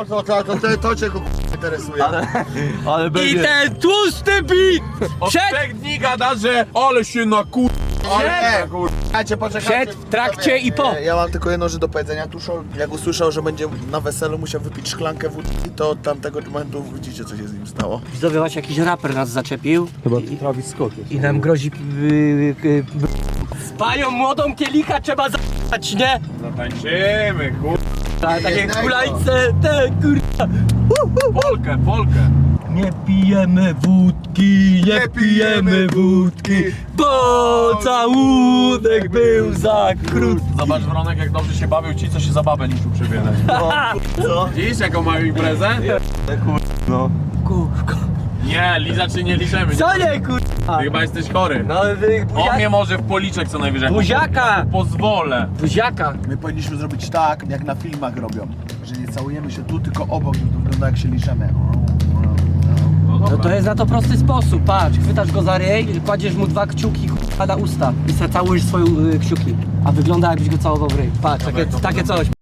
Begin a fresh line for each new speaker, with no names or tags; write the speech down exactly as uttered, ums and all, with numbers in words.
to, to, to, to, to, to cię go interesuje.
Ale, ale
I
będzie...
ten tłusty bit!
Od
Przed,
trzech dni gada, że ale się na kur...
Ale kur... Czekajcie, poczekajcie.
przed, w trakcie i po.
Ja mam tylko jedno rzecz do powiedzenia. Tuszol, jak usłyszał, że będzie na weselu musiał wypić szklankę wódki, to od tamtego momentu widzicie, co się z nim stało.
Widzowie, właśnie jakiś raper nas zaczepił.
Chyba Travis Scott jest.
I nam grozi... Yy, yy, z panią młodą kielicha trzeba za***ać, nie?
Zatańczymy, kur...
Tak, takie kulajce, te kurwa.
Polkę, Polkę.
Nie pijemy wódki, nie pijemy wódki, bo całunek był za krótki.
Zobacz, Wronek, jak dobrze się bawił ci, co się za babę liczył przy wiele.
Co?
Widzisz, jaką mają imprezę?
No.
Kurwa.
Nie, Liza czy nie liczymy.
Co nie kurwa?
Ty chyba jesteś chory.
No wy
On mnie
buzia...
może w policzek co najwyżej.
buziaka,
Pozwolę.
buziaka.
My powinniśmy zrobić tak, jak na filmach robią. Że nie całujemy się tu, tylko obok, żeby to wygląda jak się liżemy.
No
No
dobra.
to jest na to prosty sposób, patrz, chwytasz go za ryj, kładziesz mu dwa kciuki kurwa na usta i se całujesz swoje y, kciuki. A wygląda jakbyś go całował w ryj. Patrz, takie, takie coś.